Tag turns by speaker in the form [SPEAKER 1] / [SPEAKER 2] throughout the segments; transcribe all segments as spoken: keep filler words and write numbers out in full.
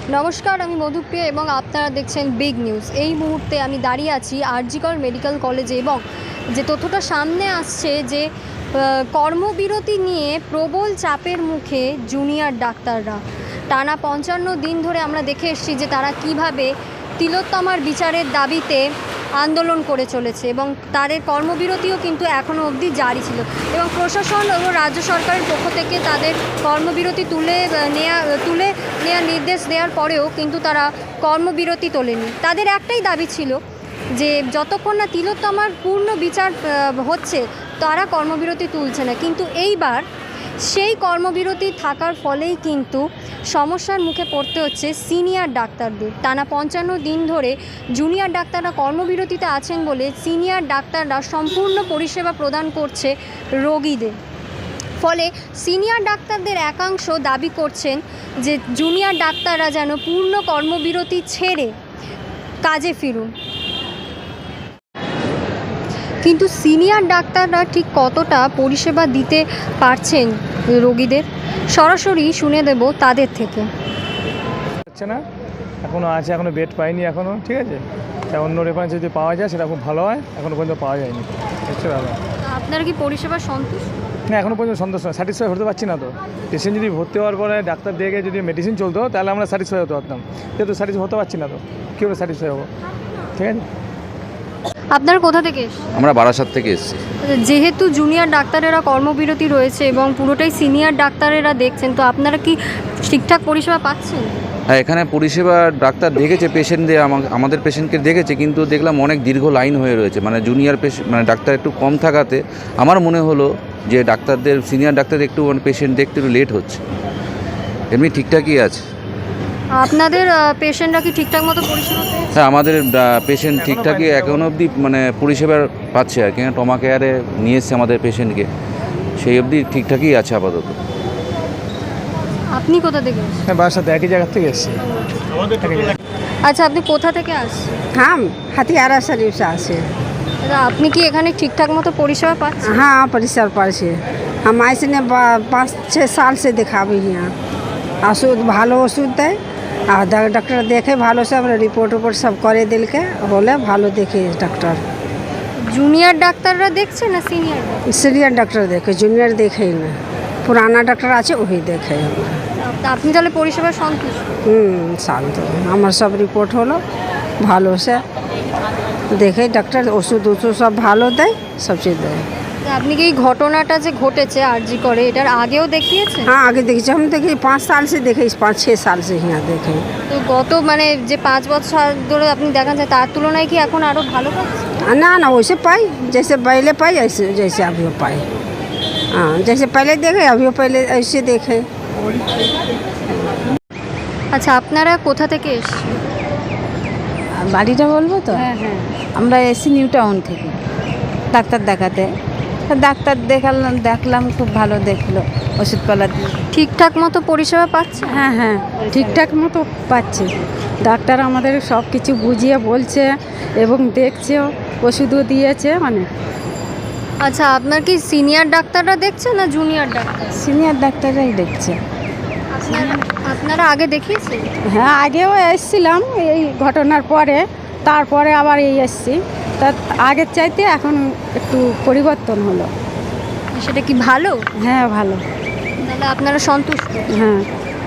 [SPEAKER 1] নমস্কার, আমি মধুপ্রিয়া এবং আপনারা দেখছেন বিগ নিউজ। এই মুহূর্তে আমি দাঁড়িয়ে আছি আরজিকর মেডিকেল কলেজে এবং যে তথ্যটা সামনে আসছে যে কর্মবিরতি নিয়ে প্রবল চাপের মুখে জুনিয়র ডাক্তাররা। টানা পঞ্চান্ন দিন ধরে আমরা দেখে এসেছি যে তারা কিভাবে তিলোত্তমার বিচারের দাবিতে আন্দোলন করে চলেছে এবং তাদের কর্মবিরতিও কিন্তু এখনও অবধি জারি ছিল এবং প্রশাসন এবং রাজ্য সরকারের পক্ষ থেকে তাদের কর্মবিরতি তুলে নেওয়া তুলে নেওয়ার নির্দেশ দেওয়ার পরেও কিন্তু তারা কর্মবিরতি তোলেনি। তাদের একটাই দাবি ছিল যে যতক্ষণ না তিলোত্তমার পূর্ণ বিচার হচ্ছে তারা কর্মবিরতি তুলছে না। কিন্তু এইবার সেই কর্মবিরতি থাকার ফলেই কিন্তু সমস্যার মুখে পড়তে হচ্ছে সিনিয়র ডাক্তারদের। টানা পঞ্চান্ন দিন ধরে জুনিয়র ডাক্তাররা কর্মবিরতিতে আছেন বলে সিনিয়র ডাক্তাররা সম্পূর্ণ পরিষেবা প্রদান করছে রোগীদের। ফলে সিনিয়র ডাক্তারদের একাংশ দাবি করছেন যে জুনিয়র ডাক্তাররা যেন পূর্ণ কর্মবিরতি ছেড়ে কাজে ফিরুন। কিন্তু সিনিয়র ডাক্তাররা ঠিক কতটা পরিষেবা দিতে পারছেন রোগীদের, সরাসরি শুনে দেব তাদের থেকে।
[SPEAKER 2] হচ্ছে না, এখনও আছে, এখনও বেড পাইনি এখনও। ঠিক আছে, অন্য রেফারেন্স যদি পাওয়া যায় সেটা খুব ভালো হয়, এখনও পর্যন্ত পাওয়া যায়নি। হচ্ছে ব্যাপার।
[SPEAKER 1] আপনারা কি পরিষেবা সন্তুষ্ট?
[SPEAKER 2] না, এখনও পর্যন্ত সন্তুষ্ট না, স্যাটিসফাই হতে পারছি না। তো পেশেন্ট যদি ভর্তি হওয়ার পরে ডাক্তার দেখে যদি মেডিসিন চলতো তাহলে আমরা স্যাটিসফাই হতে পারতাম, যেহেতু স্যাটিসফাই হতে পারছি না তো কীভাবে স্যাটিসফাই হবো? ঠিক আছে।
[SPEAKER 1] আপনার কোথা থেকে এসেছেন?
[SPEAKER 3] আমরা বারাসাত থেকে এসেছি।
[SPEAKER 1] যেহেতু জুনিয়র ডাক্তারেরা কর্মবিরতি রয়েছে এবং পুরোটাই সিনিয়র ডাক্তারেরা দেখছেন, তো আপনারা কি ঠিকঠাক পরিষেবা পাচ্ছেন?
[SPEAKER 3] হ্যাঁ, এখানে পরিষেবা ডাক্তার দেখেছে, পেশেন্টদের আমাদের পেশেন্টকে দেখেছে, কিন্তু দেখলাম অনেক দীর্ঘ লাইন হয়ে রয়েছে। মানে জুনিয়র পেশেন্ট মানে ডাক্তার একটু কম থাকাতে আমার মনে হলো যে ডাক্তারদের সিনিয়র ডাক্তারদের একটু মানে পেশেন্ট দেখতে একটু লেট হচ্ছে। এমনি ঠিকঠাকই আছে।
[SPEAKER 1] আপনাদের পেশেন্টরা কি ঠিকঠাক মতো পরিষেবা পেয়েছে?
[SPEAKER 3] হ্যাঁ, আমাদের পেশেন্ট ঠিকঠাকই এখনও অবধি মানে পরিষেবা পাচ্ছে আর কি। ট্রমা কেয়ারে নিয়ে এসছে আমাদের পেশেন্টকে, সেই অবধি ঠিকঠাকই আছে আপাতত।
[SPEAKER 1] আপনি কোথা থেকে এসেছেন?
[SPEAKER 2] হ্যাঁ, বাসার সাথে একই জায়গা থেকে এসেছি।
[SPEAKER 1] আচ্ছা, আপনি কোথা থেকে আসছেন?
[SPEAKER 4] हम हथियारा शरीफ से आसे।
[SPEAKER 1] দাদা, আপনি কি এখানে ঠিকঠাক মতো পরিষেবা পাচ্ছেন?
[SPEAKER 4] हाँ, परिसर पर से हम ऐसे ने पाँच छः साल से दिखाबी यहाँ। ओषुध ভালো ওষুধ দেয় আর ডাক্তার দেখে ভালো, সব রিপোর্ট উपोर्ट सब करे दिल के बोले भालो देखे डॉक्टर।
[SPEAKER 1] জুনিয়র ডাক্তাররা দেখছে না সিনিয়র?
[SPEAKER 4] सीनियर डॉक्टर देखे, जूनियर देखे ही ना, पुराना डॉक्टर আছে वही देखे।
[SPEAKER 1] আপনি তাহলে পরিষেবা সন্তুষ্ট?
[SPEAKER 4] হুম, শান্ত। আমার সব রিপোর্ট হলো ভালো, সে দেখে ডাক্তার ওষুধ ওষুধ সব ভালো দেয়, সব কিছু দেয়।
[SPEAKER 1] আপনি কি এই ঘটনাটা যে ঘটেছে আরজি করে এটার আগেও দেখিয়েছেন?
[SPEAKER 4] हाँ, आगे देखिए, हम देखिए पाँच साल से देखे, पाँच छः साल से यहाँ देखे।
[SPEAKER 1] তো গত মানে যে পাঁচ বছর ধরে আপনি দেখান যায় তার তুলনায় কি এখন আরও ভালো পাচ্ছে?
[SPEAKER 4] ना ना, वैसे पाई जैसे पहले पाई ऐसे जैसे अभी पाई। हाँ, जैसे पहले देखे अभी पहले ऐसे देखे।
[SPEAKER 1] আচ্ছা, আপনারা কোথা থেকে এসেছেন?
[SPEAKER 5] বাড়িটা বলবো তো?
[SPEAKER 1] হ্যাঁ হ্যাঁ।
[SPEAKER 5] আমরা এসি নিউ টাউন থেকে ডাক্তার দেখাতে। তা ডাক্তার দেখালাম, দেখলাম খুব ভালো দেখলো, ওষুধপালা দিয়ে।
[SPEAKER 1] ঠিকঠাক মতো পরিষেবা পাচ্ছে?
[SPEAKER 5] হ্যাঁ হ্যাঁ, ঠিকঠাক মতো পাচ্ছে। ডাক্তার আমাদের সব কিছু বুঝিয়ে বলছে এবং দেখছেও, ওষুধও দিয়েছে অনেক।
[SPEAKER 1] আচ্ছা, আপনার কি সিনিয়র ডাক্তাররা দেখছে না জুনিয়র ডাক্তার?
[SPEAKER 5] সিনিয়র ডাক্তাররাই দেখছে।
[SPEAKER 1] আপনারা আপনারা আগে দেখিয়েছেন?
[SPEAKER 5] হ্যাঁ, আগেও এসেছিলাম এই ঘটনার পরে, তারপরে আবার এই এসছি। তা আগের চাইতে এখন একটু পরিবর্তন হলো।
[SPEAKER 1] সেটা কি ভালো?
[SPEAKER 5] হ্যাঁ, ভালো।
[SPEAKER 1] তাহলে আপনারা সন্তুষ্ট?
[SPEAKER 5] হ্যাঁ।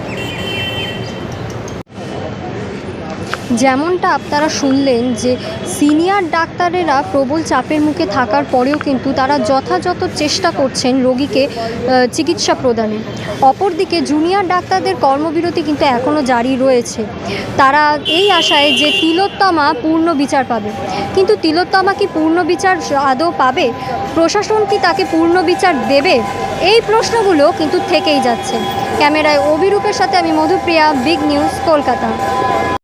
[SPEAKER 1] যেমনটা আপনারা শুনলেন যে সিনিয়র ডাক্তারেরা প্রবল চাপের মুখে থাকার পরেও কিন্তু তারা যথাযথ চেষ্টা করছেন রোগীকে চিকিৎসা প্রদানে। অপরদিকে জুনিয়র ডাক্তারদের কর্মবিরতি কিন্তু এখনও জারি রয়েছে। তারা এই আশায় যে তিলোত্তমা পূর্ণ বিচার পাবে, কিন্তু তিলোত্তমা কি পূর্ণ বিচার আদৌ পাবে? প্রশাসন কি তাকে পূর্ণ বিচার দেবে? এই প্রশ্নগুলো কিন্তু থেকেই যাচ্ছে। ক্যামেরায় অভিরূপের সাথে আমি মধুপ্রিয়া, বিগ নিউজ, কলকাতা।